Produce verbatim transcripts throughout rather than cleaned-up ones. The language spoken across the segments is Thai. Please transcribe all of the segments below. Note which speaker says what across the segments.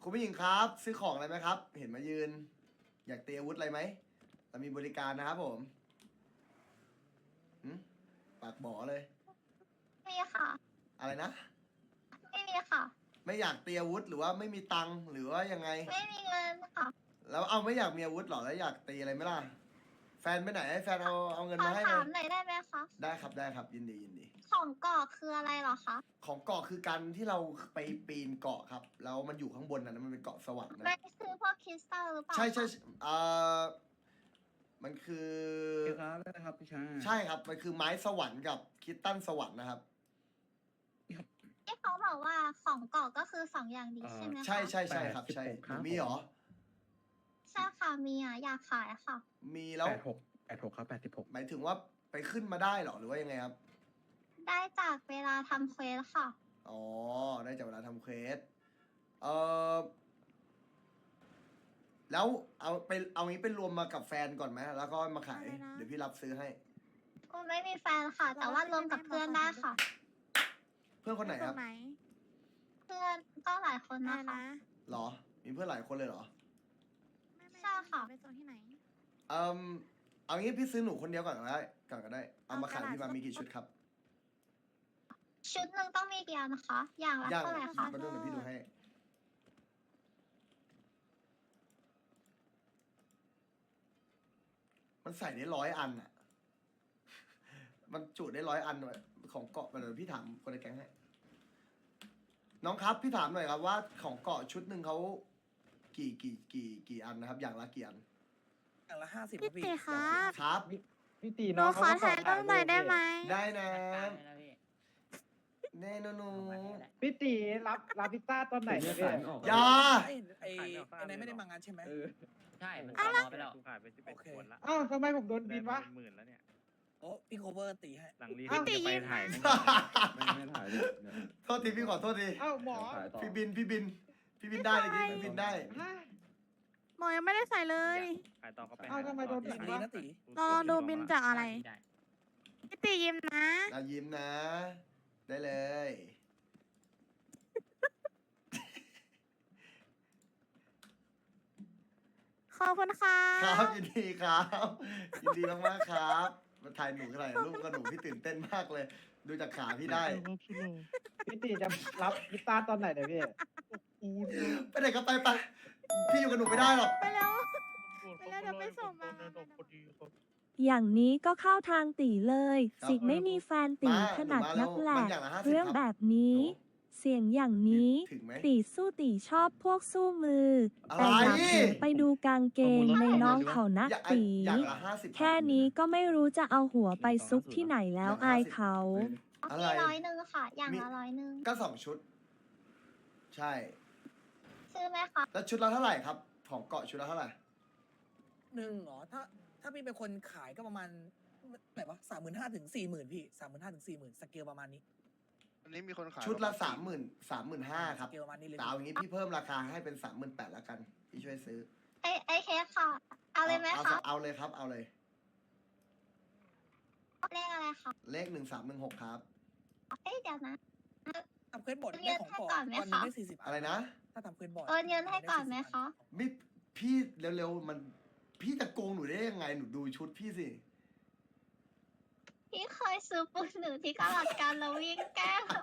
Speaker 1: คุณผู้หญิงครับซื้อของอะไรไหมครับ เห็นมายืน อยากเตรียมอาวุธอะไรไหมเรามีบริการนะครับผมหืมปากบอเลย
Speaker 2: มีค่ะ
Speaker 1: อะไรนะ
Speaker 2: ไม่มีค่ะ
Speaker 1: ไม่อยากเตรียมอาวุธหรือว่าไม่มีตังค์หรือว่ายังไง
Speaker 2: ไม่มีเงินค่ะ
Speaker 1: แล้วเอาไม่อยากมีอาวุธหรอแล้วอยากตีอะไรไหมล่ะ แฟนไปไหนให้แฟนเอาเอาเงิน
Speaker 2: ขอ
Speaker 1: มาให้เล
Speaker 2: ถาย มหน่อยได้ไหมคะ
Speaker 1: ได้ครับได้ครับยินดียินดี
Speaker 2: ของกรอกคืออะไรเหรอคะ
Speaker 1: ของเกาะคือการที่เราไปปีนเกาะครับ แล้วมันอยู่ข้างบนนะมันเป็นเกาะสวรรค์นะ
Speaker 2: ไม่ซื้อพวกคริสตัลหรือเปล่า
Speaker 1: ใช่ใช่
Speaker 2: คะ
Speaker 1: ใช่เอ่อมันคือ
Speaker 3: เกี่ยวกับอะไรครับพี่ชาย
Speaker 1: ใช่ครับ มันคือไม้สวรรค์กับคิตตันสวรรค์นะครับ
Speaker 2: ที่เขาบอกว่าของกรอกก็คือสองอย่างนี้ใช่ไหมคะ
Speaker 1: ใช่ใช่ใช่ครับใช่
Speaker 3: แปดสิบหกครับ
Speaker 1: มีเหรอ
Speaker 2: ใช่ค่ะ มีอ่ะ อยากขายค่ะ
Speaker 1: มีแล้ว
Speaker 3: แปดหกแปดหกครับแปดสิบหก
Speaker 1: หมายถึงว่าไปขึ้นมาได้เหรอหรือว่ายังไงครับ
Speaker 2: ได้จากเวลาทำเควสค่ะ
Speaker 1: อ๋อ ได้จากเวลาทำเควส เออแล้วเอาไปเอางี้ไปรวมมากับแฟนก่อนไหมแล้วก็มาขาย
Speaker 4: อะไรนะ
Speaker 1: เดี๋ยวพี่รับซื้อให้
Speaker 2: ก็ไม่มีแฟนค่ะ แต่ว่ารวมกับเพื่อนได้ค่ะ
Speaker 1: เพื่อนคนไหนครับ
Speaker 4: ไหน
Speaker 2: เพื่อนก็หลายคน
Speaker 4: อะไร
Speaker 2: นะคะ
Speaker 4: นะ
Speaker 1: หรอ มีเพื่อนหลายคนเลยเหรอ
Speaker 4: ไม่ไม่
Speaker 2: ใช่ค่ะ
Speaker 4: ไปโซนที่ไหน
Speaker 1: เอ่มเอางี้พี่ซื้อหนูคนเดียวก่อนก็ได้ก่อนก็ได้ เอามาขาย
Speaker 4: เอากระดาษ
Speaker 1: พี่มามีกี่ชุดครับ
Speaker 2: ชุดหนึ่งต้องมีกี่อันนะคะ อย่างละ
Speaker 1: ย่าง
Speaker 2: เท่าไหร่
Speaker 4: ข
Speaker 2: คะ
Speaker 1: มาดูหน่อยพี่ดูให้ มันใส่ได้ร้อยอันอ่ะ มันจุได้ร้อยอันด้วยของเกาะไปเลยพี่ถามคนในแก๊งให้ น้องครับพี่ถามหน่อยครับว่าของเกาะชุดหนึ่งเขากี่กี่กี่กี่อันนะครับ อย่างละกี่อัน
Speaker 5: อย่างละห้าสิบ
Speaker 4: พี่ตีครับ
Speaker 1: ครับ
Speaker 6: พี่ตี
Speaker 4: หนู
Speaker 6: น้อง
Speaker 4: ขอถ่ายรูปหน่อยได้ไหม
Speaker 1: ได้นะแน่นอนหนู
Speaker 6: พี่ตีรับรับพิซซ่าตอนไหนเนี่ยพี่
Speaker 1: อย่า
Speaker 5: ไอ้ไอ้ไอ้นายไม่ได้มางานใช่ไหม
Speaker 6: เออ
Speaker 7: ใช่ มันตอมอไปแล้ว
Speaker 8: กูขายไปสิบเอ็ด
Speaker 5: โอเค
Speaker 8: คนละ
Speaker 6: อ้าวทำไมผมโดนบินวะ
Speaker 8: หมื่นแล้วเนี่ย
Speaker 5: โอ้พี่โคเวอร์ตีให้
Speaker 8: หลังรี
Speaker 6: อ้าว
Speaker 8: จะไปถ่ายไม่
Speaker 3: ไม่ไม่ถ่ายเลยเนี่ย
Speaker 1: โทษทีพี่ขอโทษที
Speaker 6: อ้าวหมอ
Speaker 3: ถ่ายต่อ
Speaker 1: พี่บินพี่บิน พี่บินได้เลยพี่พี่บินได้
Speaker 6: ฮะ
Speaker 4: หมอยังไม่ได้ใส่เลย
Speaker 8: ขายต่อก็ไป
Speaker 6: เอ้าทำไมโดน
Speaker 5: หลังดีนะตี
Speaker 4: เราลองดูบินจากอะไร
Speaker 7: ได้
Speaker 4: พี่ตียิ้มนะ
Speaker 1: เรายิ้มนะ ได้เลย
Speaker 4: ขอบคุณค่ะ
Speaker 1: ครับยินดีครับยินดีมากๆครับมาถ่ายหนูถ่ายรูปกับหนูพี่ตื่นเต้นมากเลย ดูจากขาพี่ได้
Speaker 6: พี่ตีจะรับพิซซ่าตอนไหนเนี่ยพี่
Speaker 1: ไปไหนก็ไปไปพี่อยู่กับหนูไม่ได้หรอก
Speaker 4: ไปแล้ว ไปแล้วเดี๋ยวไปส่งมา
Speaker 9: อย่างนี้ก็เข้าทางตีเลย
Speaker 1: ครับ
Speaker 9: สิไม่มีแฟนตี
Speaker 1: มา
Speaker 9: ขนาด
Speaker 1: หนู
Speaker 9: นั
Speaker 1: มาก
Speaker 9: แห
Speaker 1: แล้ว
Speaker 9: ละ
Speaker 1: มันอย่างละห้าสิบ
Speaker 9: เรื่อง
Speaker 1: ครับ
Speaker 9: แบบนี้
Speaker 1: หนู
Speaker 9: เสียงอย่างนี้
Speaker 1: ถึงไหม
Speaker 9: ตีสู้ตีชอบพวกสู้มือ
Speaker 1: อะไร
Speaker 9: แต่อยากเห็นไปดูกางเกงในน้องเขานะ
Speaker 1: อย่าง
Speaker 9: ตี
Speaker 1: อย่างละห้าสิบ
Speaker 9: แค่นี้ก็ไม่รู้จะเอาหัวไปซุกที่ไหนแล้วอายเขา
Speaker 1: อะ
Speaker 2: มี
Speaker 1: ไร
Speaker 2: ร้อยหนึ่งค่ะ อย่าง
Speaker 1: มี
Speaker 2: ละร้อยหนึ่ง
Speaker 1: ก็สองชุด ใช่
Speaker 2: ซื้อไหมคะ
Speaker 1: แล้วชุดละเท่าไหร่ครับ ของเกาะชุดละเท่าไหร่
Speaker 5: หนึ่งเหรอถ้าถ้าพี่เป็นคนขายก็ประมาณไหนวะสามหมื่นห้าถึงสี่หมื่นพี่สามหมื่นห้าถึงสี่หมื่นสเกลประมาณนี้
Speaker 8: อันนี้มีคนขาย
Speaker 1: ชุดละสามหมื่นสามหมื่นห้าครับ
Speaker 5: สเกลประมาณนี้เลย
Speaker 1: แต่เอาอย่างนี้พี่เพิ่มราคาให้เป็นสามหมื่นแปดแล้วกัน พี่ช่วยซื้อ
Speaker 2: ไอไอเคสค่ะ เอาเลยไหม
Speaker 1: เอา
Speaker 2: คะ
Speaker 1: เอาเลยครับ เอาเลย
Speaker 2: เลขอะไรคะ
Speaker 1: เลขหนึ่งสามหนึ่งหกครับ
Speaker 2: เอ้ยเดี๋ยวนะ
Speaker 5: ทำเควสบอร์ด
Speaker 2: เรี
Speaker 5: ได้
Speaker 2: ยน
Speaker 5: ของ
Speaker 2: ให้
Speaker 5: ก่อ
Speaker 2: ก่อน นไหม
Speaker 5: วันหนึง
Speaker 2: คะ
Speaker 5: ได้สี่สิบ
Speaker 1: อะไรนะ
Speaker 5: ถ้าทำเควสบอร์ด
Speaker 2: โอนเงินให้ก่อนไหมคะ
Speaker 1: มิพี่เร็วๆมัน พี่จะโกงหนูได้ยังไง หนูดูชุดพี่สิ
Speaker 2: พี่เคยซื้อปูนหนูที่กลัดกันแล้ววิ่งแก้ว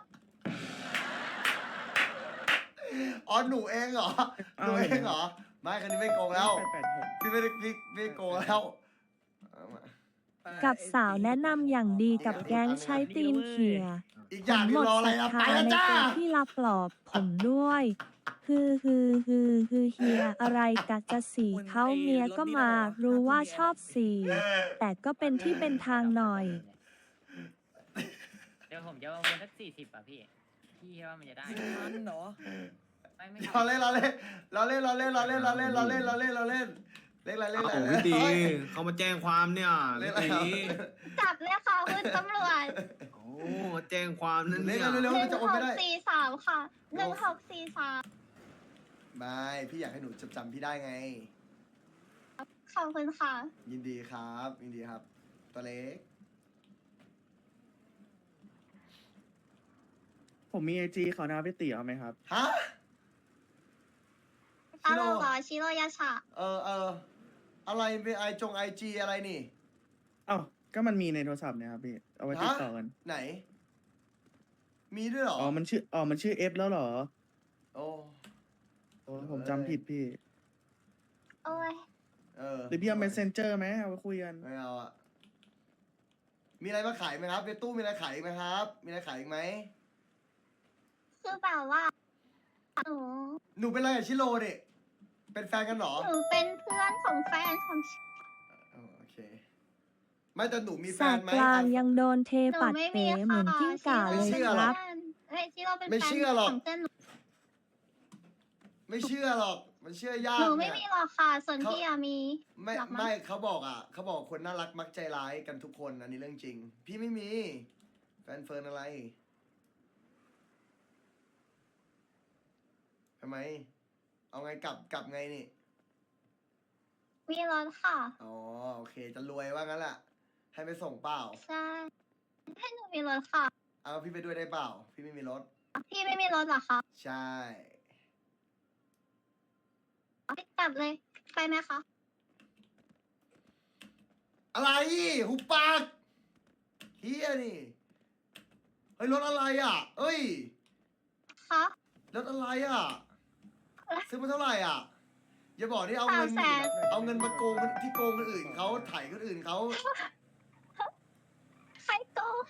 Speaker 1: อ๋อหนูเองเหรอ หนูเองเหรอ ไม่คันนี้ไม่โกงแล้ว
Speaker 3: แปดหก
Speaker 1: พี่ไม่ได้พี่ไม่โกงแล้วเอามา
Speaker 9: กับสาวแนะนำอย่างดีกับแก๊งใช้ตีนเขี่ย
Speaker 1: อีกอย่างหนึ
Speaker 9: หม
Speaker 1: ง
Speaker 9: ด
Speaker 1: รออะไร
Speaker 9: ศรัท
Speaker 1: อะไป
Speaker 9: ธา
Speaker 1: แล้ว
Speaker 9: ใน
Speaker 1: จ้า
Speaker 9: ตัวที่รับปลอบผมด้วย คือคือคือคือเฮียอะไรกะจะสีเขาเมียก็มารู้ว่าชอบสีแต่ก็เป็นที่เป็นทางหน่อย
Speaker 7: เดี๋ยวผมจะเอาเงินสักสี่สิบอ่ะพี่ พี่คิดว่ามันจะได้
Speaker 5: สิบพันเหรอ
Speaker 7: ไม่ไม่
Speaker 1: เราเล่นเราเล่นเราเล่นเราเล่นเราเล่นเราเล่นเราเล่นเราเล่นเราเล่นเล่นอะไรเล่นอะไร
Speaker 10: โอ้พี่ตีเขามาแจ้งความเนี่ย
Speaker 1: เล่
Speaker 10: พี่
Speaker 1: นอะไร
Speaker 10: ตี
Speaker 2: จับเลยค่ะคุณตำรวจ
Speaker 10: โอ้แจ้งความนั่น
Speaker 1: เล่
Speaker 10: เนี่
Speaker 1: น
Speaker 10: ย
Speaker 1: เร็ว
Speaker 2: หนึ่ง
Speaker 1: ๆจะโอน
Speaker 2: ห
Speaker 1: ไม่
Speaker 2: ก
Speaker 1: ได้
Speaker 2: สี่สามค่ะหนึ่งหกสี่สาม
Speaker 1: ไม่พี่อยากให้หนูจำจำพี่ได้ไง
Speaker 2: ขอบคุณค่ะ
Speaker 1: ยินดีครับยินดีครับ ตัวเล็ก
Speaker 3: ผมมีไอจีเขานะพี่ตีเอาไหมครับ
Speaker 1: ฮะชิ
Speaker 2: ฮัล
Speaker 1: โร่
Speaker 2: โหลเหรอชิโรยาชะ
Speaker 1: เออเอออะไรเป็นไอจงไอจีอะไรนี่
Speaker 3: เอ้าก็มันมีในโทรศัพท์เนี่ยครับพี่ เอาไว้ติดต่อกัน
Speaker 1: ไหน มีด้วยเหรอ
Speaker 3: อ๋อ มันชื่อ อ๋อ มันชื่อเอฟแล้วเหรอ
Speaker 1: โอ้
Speaker 3: โอ้ผมจำผิดพี่
Speaker 2: โอ้ย
Speaker 1: เออ
Speaker 3: หรือพี่เอา messenger ไหมเอาไว้คุยกัน
Speaker 1: ไม่เอาอะมีอะไรมาขายไหมครับในตู้มีอะไรขายอีกไหมครับ มีอะไรขายอีกไหม
Speaker 2: คือแบบว่าหนู
Speaker 1: หนูเป็นอะไรกับชิโร่ดิเป็นแฟนกันเหรอ
Speaker 2: หนูเป็นเพื่อนของแฟนของ
Speaker 1: เออโอเค ไม่แต่หนูมีแฟ
Speaker 9: แส
Speaker 1: น
Speaker 9: ก
Speaker 1: ไหม
Speaker 9: กลาง
Speaker 1: อ่ะ
Speaker 9: ยังโดนเท
Speaker 2: หนู
Speaker 9: ปัด
Speaker 2: ไม่
Speaker 9: เป๋
Speaker 2: มี
Speaker 9: เหมือน
Speaker 2: ค่ะ
Speaker 9: กิ้งก่า
Speaker 1: ไม่
Speaker 9: เลย
Speaker 1: เชื่อ
Speaker 9: ค
Speaker 1: หร
Speaker 9: รั
Speaker 1: อก
Speaker 9: บ
Speaker 2: เฮ้ยชิโร่เป็น
Speaker 1: ไม่
Speaker 2: แฟน
Speaker 1: เชื่อหรอก
Speaker 2: ของเพื่อนหนู
Speaker 1: ไม่เชื่อหรอก มันเชื่อยา
Speaker 2: ห
Speaker 1: ก
Speaker 2: นูไม่
Speaker 1: เนี่ย
Speaker 2: มีหรอกค่ะ ส่วน
Speaker 1: เขา
Speaker 2: พี่อะมี
Speaker 1: ไม่
Speaker 2: หรอกมั้ง
Speaker 1: ไม่เขาบอกอ่ะเขาบอกคนน่ารักมักใจร้ายกันทุกคนอันนี้เรื่องจริง พี่ไม่มี แฟนเฟิร์นอะไรทำไม เอาไงกลับกลับไงนี่
Speaker 2: มีรถค่ะ
Speaker 1: อ๋อโอเค จะรวยว่างั้นแหละให้ไปส่งเปล่า
Speaker 2: ใช่ ให้หนูมีรถค่ะ
Speaker 1: เอาพี่ไปด้วยได้เปล่า พี่ไม่มีรถ
Speaker 2: พี่ไม่มีรถเหรอคะ
Speaker 1: ใช่
Speaker 2: พี่กลับเลย ไปไหมคะ
Speaker 1: อะไรหุบปากเฮียนี่เฮ้ยรถอะไรอ่ะ เอ้ย
Speaker 2: คะ
Speaker 1: รถอะไรอ่ะ ซื้อมาเท่าไหร่อ่ะ อย่าบอกที่เอา
Speaker 2: สา
Speaker 1: เงิ
Speaker 2: ม
Speaker 1: น
Speaker 2: แสน
Speaker 1: เอาเงินมาโกงคนที่โกงคนอื่นเขาไถ่ายคนอื่นเขา
Speaker 2: ใครโกง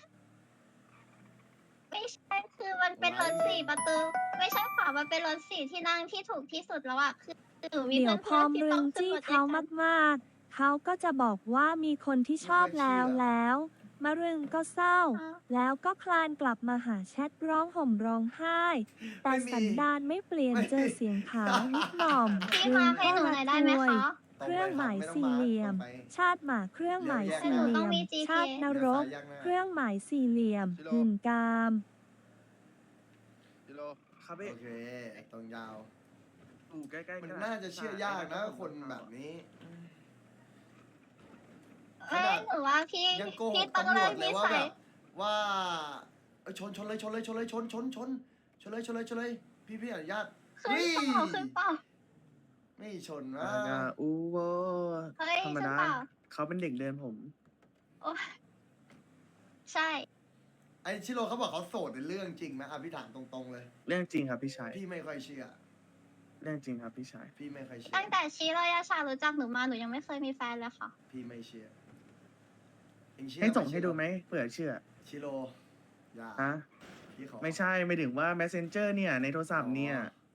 Speaker 2: ไม่ใช่คือมันเป็นรถสี่ประตู ไม่ใช่ค่ะมันเป็นรถสี่ที่นั่งที่ถูกที่สุดแล้วอะคือหนูมี
Speaker 9: เดี๋ยวพ
Speaker 2: เพื่
Speaker 9: อ
Speaker 2: อน
Speaker 9: ม
Speaker 2: ๆที่
Speaker 9: รึ
Speaker 2: ต้อง งขึ้น
Speaker 9: จี้
Speaker 2: รถด้
Speaker 9: เขา
Speaker 2: วยกัน
Speaker 9: มากๆ เขาก็จะบอกว่ามีคนที่ชอบแล้วแล้ว มารึงก็เศร้า แล้วก็คลานกลับมาหาแชทร้องห่มร้องไห้ แต่
Speaker 1: ไม่มี
Speaker 9: สันดานไม่เปลี่ยน
Speaker 1: ไม่
Speaker 9: เจอเสียงขาวนิดหน่อม
Speaker 2: พี่
Speaker 9: รึ
Speaker 2: มาง ให้
Speaker 9: ก็
Speaker 2: หนู
Speaker 9: รั
Speaker 2: หน่อย
Speaker 9: ก
Speaker 2: ได้ไหม
Speaker 9: รวย
Speaker 2: คะ
Speaker 9: เครื่องหมายสี่เหลี่ยม ชาติหมาเครื่องหมายสี่
Speaker 2: หนู
Speaker 9: เห
Speaker 2: ต้
Speaker 9: ลี่
Speaker 2: อง
Speaker 9: ยม
Speaker 2: มี จี พี
Speaker 9: ชาตินรก
Speaker 1: เดี๋ยวสายยากหน้า
Speaker 9: เครื่องหมายสี่เหลี่ยม
Speaker 8: ชิโร่
Speaker 9: หนึ่งกาม
Speaker 8: กิโล
Speaker 3: ครับพี่
Speaker 1: โอเคตรงยาว
Speaker 3: อยู่ใกล้ๆ
Speaker 1: มัน
Speaker 3: กั
Speaker 1: น่าจะเชื่อยากนะคนแบบนี้
Speaker 2: เอ้ยหนูว่าพี่
Speaker 1: ยังโกห
Speaker 2: พี่
Speaker 1: ก
Speaker 2: ต้อง
Speaker 1: ตำร
Speaker 2: เลิ
Speaker 1: ว
Speaker 2: ก
Speaker 1: จเล
Speaker 2: นิ
Speaker 1: ยว่า
Speaker 2: สั
Speaker 1: แบ
Speaker 2: ย
Speaker 1: บว่าเอ้ยชนชนเลยชนเลยชนเลยชนชนชนชนเลยชนเลยชนเลย พี่พี่อนุญาต
Speaker 2: ขึ้นเปล่าขึ้นเปล่า
Speaker 1: ไม่ชน
Speaker 3: อ่
Speaker 1: นะ
Speaker 3: าอูโว
Speaker 2: เฮ้ย
Speaker 3: ธรรม
Speaker 2: ขึ้น
Speaker 3: ดา
Speaker 2: เปล่า
Speaker 3: เขาเป็นเด็กเดินผม
Speaker 2: โอ้ยใช่
Speaker 1: ไอชิโร่เขาบอกเขาโสดเป็นเรื่องจริงไหมอ่ะพี่ถามตรงๆเลย
Speaker 3: เรื่องจริงครับพี่ชาย
Speaker 1: พี่ไม่ค่อยเชื่อ
Speaker 3: เรื่องจริงครับพี่ชาย
Speaker 1: พี่ไม่ค่อยเชื่อ
Speaker 2: ตั้งแต่ชีโรยาชารู้จักหนูมาหนูยังไม่เคยมีแฟนเลยค่ะ
Speaker 1: พี่ไม่เชื่อเองเชื่อ
Speaker 3: ให้ส่ง
Speaker 1: ไ
Speaker 3: ให้ดูไหมเผื่อเชื่อ
Speaker 1: ชิโร่อย่า
Speaker 3: ฮะ
Speaker 1: พี่ขอ
Speaker 3: ไม่ใช่ ไม่ถึงว่า messenger เนี่ย ในโทรศัพท์เนี่ย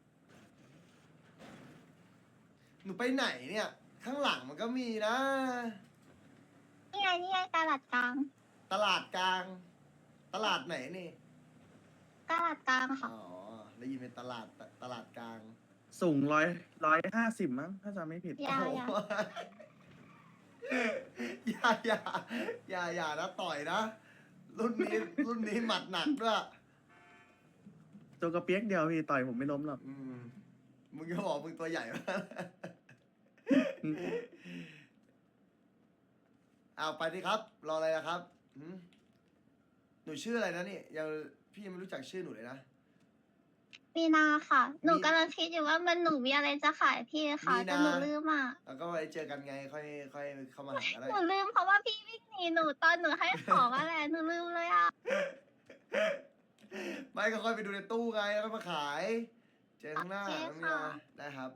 Speaker 1: หนูไปไหนเนี่ย ข้างหลังมันก็มีนะ
Speaker 2: นี่ไงนี่ไงตลาดกลาง
Speaker 1: ตลาดกลาง ตลาดไหนนี่
Speaker 2: ตลาดกลางค่ะ
Speaker 1: อ๋อได้ยินเป็นตลาดตตลาดกลาง
Speaker 3: สูงร้อยร้อยห้าสิบมั้ง ถ้าจำไม่ผิด
Speaker 2: อย่า
Speaker 1: โอ้โหอย่าอย่าอย่าอย่านะต่อยนะ รุ่นนี้รุ่นนี้หมัดหนักด้วย
Speaker 3: ตัวกระเปียกเดียวพี่ต่อยผมไม่ล้มหรอก
Speaker 1: อืมมึงก็บอกมึงตัวใหญ่มากเอาไปดิครับ รออะไรนะครับหืมหนูชื่ออะไรนะนี่ยังพี่ยังไม่รู้จักชื่อหนูเลยนะ
Speaker 2: มีนาค่ะ หนู
Speaker 1: มี
Speaker 2: กำลังคิดอยู่ว่ามันหนูมีอะไรจะขายพี่ค่ะ
Speaker 1: มีนา
Speaker 2: แต่หนูลืมอ่ะ
Speaker 1: แล้วก็ไว้เจอกันไง ค่อยค่อยเข้ามาหาก็ได้
Speaker 2: หนูลืมเพราะว่าพี่วิ่งหนีหนูตอนหนูให้ของอะไรหนูลืมเลยอ่ะ
Speaker 1: ไม่ก็ค่อยไปดูในตู้ไงแล้วก็มาขาย เจอข้างหน้า
Speaker 2: โอเค
Speaker 1: น้องยา
Speaker 2: ค่ะ
Speaker 1: ได้ครับ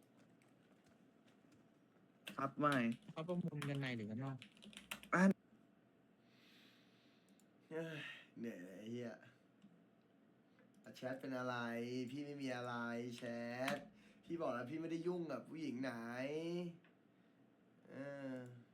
Speaker 3: ครับไม่
Speaker 10: เขาประมูลกันในหรือกันนอก
Speaker 1: เอ้ยเหนื่อยเลยไอ้เฮียอ่ะแชทเป็นอะไร พี่ไม่มีอะไรแชท พี่บอกแล้วพี่ไม่ได้ยุ่งกับผู้หญิงไหน เออ